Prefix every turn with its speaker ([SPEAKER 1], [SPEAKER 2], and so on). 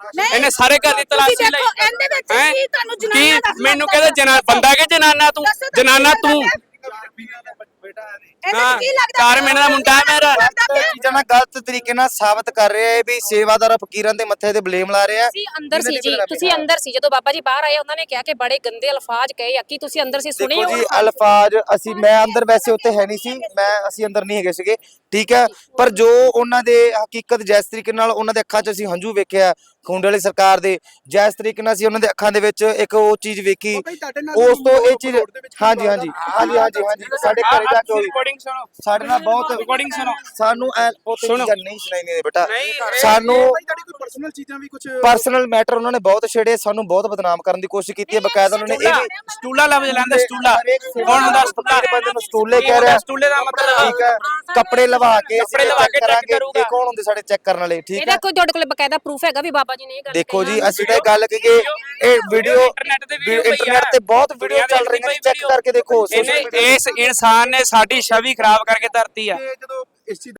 [SPEAKER 1] ਇਹਨੇ ਸਾਰੇ ਘਰ ਦੀ ਤਲਾਸ਼ੀ ਲਈ
[SPEAKER 2] ਇਹਦੇ ਵਿੱਚ ਕੀ ਤੁਹਾਨੂੰ ਜਨਾਨਾ ਦਾ
[SPEAKER 1] ਮੈਨੂੰ ਕਹਿੰਦੇ ਬੰਦਾ ਕਿ ਜਨਾਨਾ ਤੂੰ ਜਨਾਨਾ ਤੂੰ
[SPEAKER 2] ਕੀ ਲੱਗਦਾ
[SPEAKER 1] 4 ਮਹੀਨੇ ਦਾ ਮੁੰਡਾ ਮੇਰਾ
[SPEAKER 3] ਚੀਜ਼ਾਂ ਨਾਲ ਗਲਤ ਤਰੀਕੇ ਨਾਲ ਸਾਬਤ ਕਰ ਰਿਹਾ ਹੈ ਵੀ ਸੇਵਾਦਾਰ ਫਕੀਰਾਂ ਦੇ ਮੱਥੇ ਤੇ ਬਲੇਮ ਲਾ ਰਿਹਾ।
[SPEAKER 4] ਤੁਸੀਂ ਅੰਦਰ ਸੀ ਜੀ, ਤੁਸੀਂ ਅੰਦਰ ਸੀ ਜਦੋਂ ਬਾਬਾ ਜੀ ਬਾਹਰ ਆਏ ਉਹਨਾਂ ਨੇ ਕਿਹਾ ਕਿ ਬੜੇ ਗੰਦੇ ਅਲਫਾਜ਼ ਕਹੇ ਆ। ਕੀ ਤੁਸੀਂ ਅੰਦਰ ਸੀ ਸੁਣੇ
[SPEAKER 3] ਦੇਖੋ ਜੀ ਅਲਫਾਜ਼ ਮੈਂ ਅੰਦਰ ਵੈਸੇ ਉੱਥੇ ਹੈ ਨਹੀਂ ਸੀ, ਅਸੀਂ ਅੰਦਰ ਨਹੀਂ ਹੈਗੇ ਸੀਗੇ, ਠੀਕ ਹੈ, ਪਰ ਜੋ ਉਹਨਾਂ ਦੇ ਹਕੀਕਤ ਜਿਸ ਤਰੀਕੇ ਨਾਲ ਉਹਨਾਂ ਦੇ ਅੱਖਾਂ 'ਚ ਅਸੀਂ ਹੰਝੂ ਵੇਖਿਆ ਖੁੰਡ ਵਾਲੀ ਸਰਕਾਰ ਦੇ, ਜਿਸ ਤਰੀਕੇ ਨਾਲ ਅਸੀਂ ਉਹਨਾਂ ਦੇ ਅੱਖਾਂ ਦੇ ਵਿੱਚ ਇੱਕ ਉਹ ਚੀਜ਼ ਵੇਖੀ, ਉਸ ਤੋਂ ਇਹ ਚੀਜ਼ ਹਾਂਜੀ ਸਾਡੇ ਘਰੇ ਜਾ ਕੇ ਹੋਈ ਸਾਡੇ ਨਾਲ ਬਹੁਤ
[SPEAKER 1] ਰਿਕਾਰਡਿੰਗ ਸੁਣੋ
[SPEAKER 3] ਸਾਨੂੰ ਚੀਜ਼ਾਂ ਨਹੀਂ ਸੁਣਾਈਆਂ ਬੇਟਾ, ਸਾਨੂੰ ਪਰਸਨਲ ਮੈਟਰ ਉਹਨਾਂ ਨੇ ਬਹੁਤ ਛੇੜੇ, ਸਾਨੂੰ ਬਹੁਤ ਬਦਨਾਮ ਕਰਨ ਦੀ ਕੋਸ਼ਿਸ਼ ਕੀਤੀ ਹੈ। ਬਕਾਇਦਾ ਉਹਨਾਂ ਨੇ ਇਹ ਵੀ
[SPEAKER 1] ਸਟੂਲਾ ਲਫ਼ਜ਼ ਲੈਂਦੇ ਸਟੂਲਾ
[SPEAKER 3] ਕੌਣ ਹੁੰਦਾ ਸਟੂਲਾ ਬੰਦੇ ਨੂੰ ਸਟੂਲੇ ਕਹਿ ਰਿਹਾ,
[SPEAKER 1] ਸਟੂਲੇ ਦਾ ਮਤਲਬ
[SPEAKER 3] ਠੀਕ ਹੈ, ਕੱਪੜੇ ਲਵਾ ਕੇ ਚੈੱਕ ਕਰਾਂਗੇ ਇਹ ਕੌਣ ਹੁੰਦੇ ਸਾਡੇ ਚੈੱਕ ਕਰਨ ਵਾਲੇ, ਠੀਕ
[SPEAKER 4] ਇਹਦਾ
[SPEAKER 3] ਹੈ।
[SPEAKER 4] ਕੋਈ ਤੁਹਾਡੇ ਕੋਲ ਬਕਾਇਦਾ ਪ੍ਰੂਫ ਹੈਗਾ ਵੀ ਬਾਬਾ ਜੀ ਨੇ ਇਹ ਗੱਲ
[SPEAKER 3] ਦੇਖੋ ਜੀ ਅਸੀਂ ਤਾਂ ਗੱਲ ਕਰੀਏ ਇਹ ਵੀਡੀਓ ਇੰਟਰਨੈਟ ਤੇ ਬਹੁਤ ਵੀਡੀਓ ਚੱਲ ਰਹੀਆਂ ਨੇ, ਚੈੱਕ ਕਰਕੇ ਦੇਖੋ।
[SPEAKER 1] ਇਸ ਇਨਸਾਨ ਨੇ ਸਾਡੀ ਛਵੀ ਖਰਾਬ ਕਰਕੇ ਧਰਤੀ ਆ।